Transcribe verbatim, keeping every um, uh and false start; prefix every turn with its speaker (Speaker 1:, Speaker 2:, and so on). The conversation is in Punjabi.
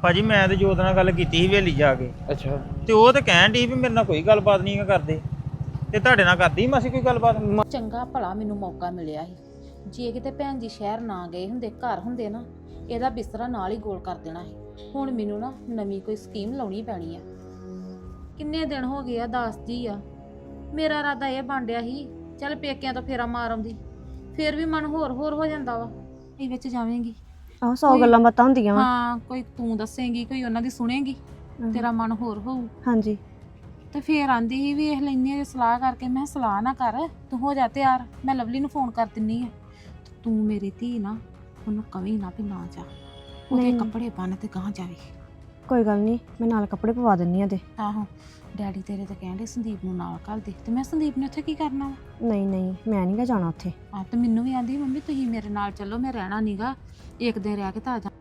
Speaker 1: ਭਾਜੀ ਮੈਂ ਤੇ ਜੋਤ ਨਾਲ ਗੱਲ ਕੀਤੀ ਸੀ ਹਵੇਲੀ ਜਾ ਕੇ।
Speaker 2: ਅੱਛਾ
Speaker 1: ਤੇ ਉਹ ਤੇ ਕਹਿਣ ਡਈ ਵੀ ਮੇਰੇ ਨਾਲ ਕੋਈ ਗੱਲਬਾਤ ਨਹੀਂ ਕਰਦੇ, ਤੇ ਤੁਹਾਡੇ ਨਾਲ ਕਰਦੀ ਮਾਸੀ ਕੋਈ ਗੱਲਬਾਤ?
Speaker 3: ਚੰਗਾ ਭਲਾ ਮੈਨੂੰ ਮੌਕਾ ਮਿਲਿਆ ਸੀ। ਜੇ ਕਿਤੇ ਭੈਣ ਜੀ ਸ਼ਹਿਰ ਨਾ ਗਏ ਹੁੰਦੇ, ਘਰ ਹੁੰਦੇ ਨਾ, ਇਹਦਾ ਬਿਸਤਰਾ ਨਾਲ ਹੀ ਗੋਲ ਕਰ ਦੇਣਾ ਸੀ। ਹੁਣ ਮੈਨੂੰ ਨਾ ਨਵੀਂ ਕੋਈ ਸਕੀਮ ਲਾਉਣੀ ਪੈਣੀ ਆ। ਕਿੰਨੇ ਦਿਨ ਹੋ ਗਏ ਆ, ਦੱਸਦੀ ਆ। ਮੇਰਾ ਇਰਾਦਾ ਇਹ ਬਣਿਆ ਸੀ ਚੱਲ ਪੇਕਿਆਂ ਤੋਂ ਫੇਰਾ ਮਾਰ ਆਉਂਦੀ, ਫੇਰ ਵੀ ਮਨ ਹੋਰ ਹੋਰ ਹੋ ਜਾਂਦਾ ਵਾ। ਇਹ ਵਿੱਚ ਜਾਵੇਂਗੀ,
Speaker 4: ਆਹੋ ਸੌ ਗੱਲਾਂ ਬਾਤਾਂ ਹੁੰਦੀਆਂ ਵਾ।
Speaker 3: ਹਾਂ, ਕੋਈ ਤੂੰ ਦੱਸੇਂਗੀ, ਕੋਈ ਉਹਨਾਂ ਦੀ ਸੁਣੇਗੀ, ਤੇਰਾ ਮਨ ਹੋਰ ਹੋਊ।
Speaker 4: ਹਾਂਜੀ
Speaker 3: ਤੇ ਫੇਰ ਆਂਦੀ ਸੀ ਵੇਖ ਲੈਂਦੀ ਆ ਸਲਾਹ ਕਰਕੇ। ਮੈਂ ਸਲਾਹ ਨਾ ਕਰ, ਤੂੰ ਹੋ ਜਾ ਤਿਆਰ, ਮੈਂ ਲਵਲੀ ਨੂੰ ਫੋਨ ਕਰ ਦਿੰਨੀ ਆ। ਤੂੰ ਮੇਰੀ ਧੀ ਨਾ ਉਹਨੂੰ ਕਵੀ ਨਾ ਵੀ ਨਾ ਜਾ, ਉਹਦੇ ਕੱਪੜੇ ਬੰਨ ਤੇ ਗਾਂ ਜਾਵੇ।
Speaker 4: ਕੋਈ ਗੱਲ ਨਹੀਂ, ਮੈਂ ਨਾਲ ਕੱਪੜੇ ਪਵਾ ਦਿੰਨੀ ਆ ਤੇ।
Speaker 3: ਆਹੋ, ਡੈਡੀ ਤੇਰੇ ਤਾਂ ਕਹਿੰਦੇ ਸੰਦੀਪ ਨੂੰ ਨਾਲ ਘੱਲ ਦੇ, ਤੇ ਮੈਂ ਸੰਦੀਪ ਨੇ ਉੱਥੇ ਕੀ ਕਰਨਾ ਵਾ?
Speaker 4: ਨਹੀਂ ਨਹੀਂ, ਮੈਂ ਨਹੀਂ ਗਾ ਜਾਣਾ ਉੱਥੇ।
Speaker 3: ਆ ਤੇ ਮੈਨੂੰ ਵੀ ਆਂਦੀ ਮੰਮੀ ਤੁਸੀਂ ਮੇਰੇ ਨਾਲ ਚੱਲੋ, ਮੈਂ ਰਹਿਣਾ ਨੀਗਾ, ਇੱਕ ਦਿਨ ਰਹਿ ਕੇ ਤਾਂ ਆ ਜਾ।